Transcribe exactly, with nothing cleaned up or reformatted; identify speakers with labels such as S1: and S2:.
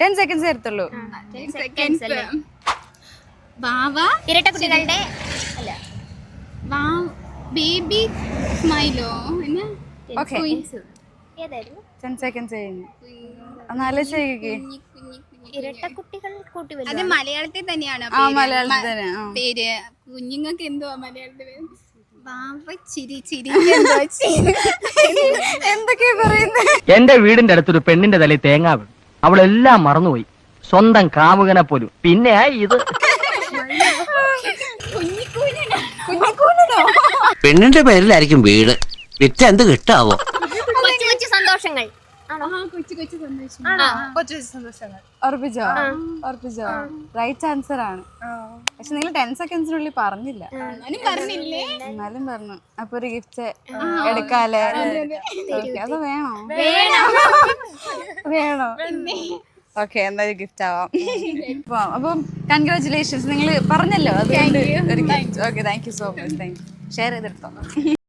S1: Ten seconds എടുത്തുള്ളൂ.
S2: വാവ
S3: ഇരട്ടക്കുട്ടികളുടെ അല്ല
S2: വാ ബേബി സ്മൈലോ പിന്നെ
S1: ഓക്കെ
S3: ഏതായിരുന്നു?
S1: ടെൻ സെക്കൻഡ്സ് കഴിഞ്ഞു. എന്നാലും ചെയ്യേ
S3: ഇരട്ടക്കുട്ടികൾ കൂട്ടി
S2: അത് മലയാളത്തിൽ തന്നെയാണ്
S1: ആ മലയാളത്തിൽ തന്നെ. ആ.
S2: പേര്. കുഞ്ഞുങ്ങൾക്ക് എന്തുവാ മലയാളത്തിൽ പേര്? വാവ ചിരി ചിരി
S1: എന്തൊക്കെയാ പറയുന്നത്?
S4: എന്റെ വീടിന്റെ അടുത്തൊരു പെണ്ണിന്റെ തലയിൽ തേങ്ങ വീണു. അവളെല്ലാം മറന്നുപോയി, സ്വന്തം കാമുകനെ പോലും. പിന്നെ ഇത്
S5: പെണ്ണിന്റെ പേരിലായിരിക്കും വീട്. വിറ്റ് എന്ത് കിട്ടാവോ?
S3: കൊച്ചു കൊച്ചു സന്തോഷങ്ങൾ
S2: കൊച്ചു കൊച്ചു സന്തോഷം.
S1: കൊച്ചു സന്തോഷങ്ങൾ. ഉറപ്പിച്ചോ? ഉറപ്പിച്ചോ? റൈറ്റ് ആൻസർ ആണ്. പക്ഷെ നിങ്ങൾ ടെൻ സെക്കൻഡ്സിനുള്ളിൽ പറഞ്ഞില്ല.
S2: പറഞ്ഞില്ലേ?
S1: എന്നാലും പറഞ്ഞു. അപ്പൊ ഒരു ഗിഫ്റ്റ് എടുക്കാല്ലേ? അത് വേണോ? വേണോ? ഓക്കെ, എന്തായാലും ഗിഫ്റ്റ് ആവാം. അപ്പം കൺഗ്രാറ്റുലേഷൻസ്, നിങ്ങൾ പറഞ്ഞല്ലോ അതുകൊണ്ട് ഒരു gift. Okay, thank you so much. Thank you. Share ചെയ്തെടുത്തോ.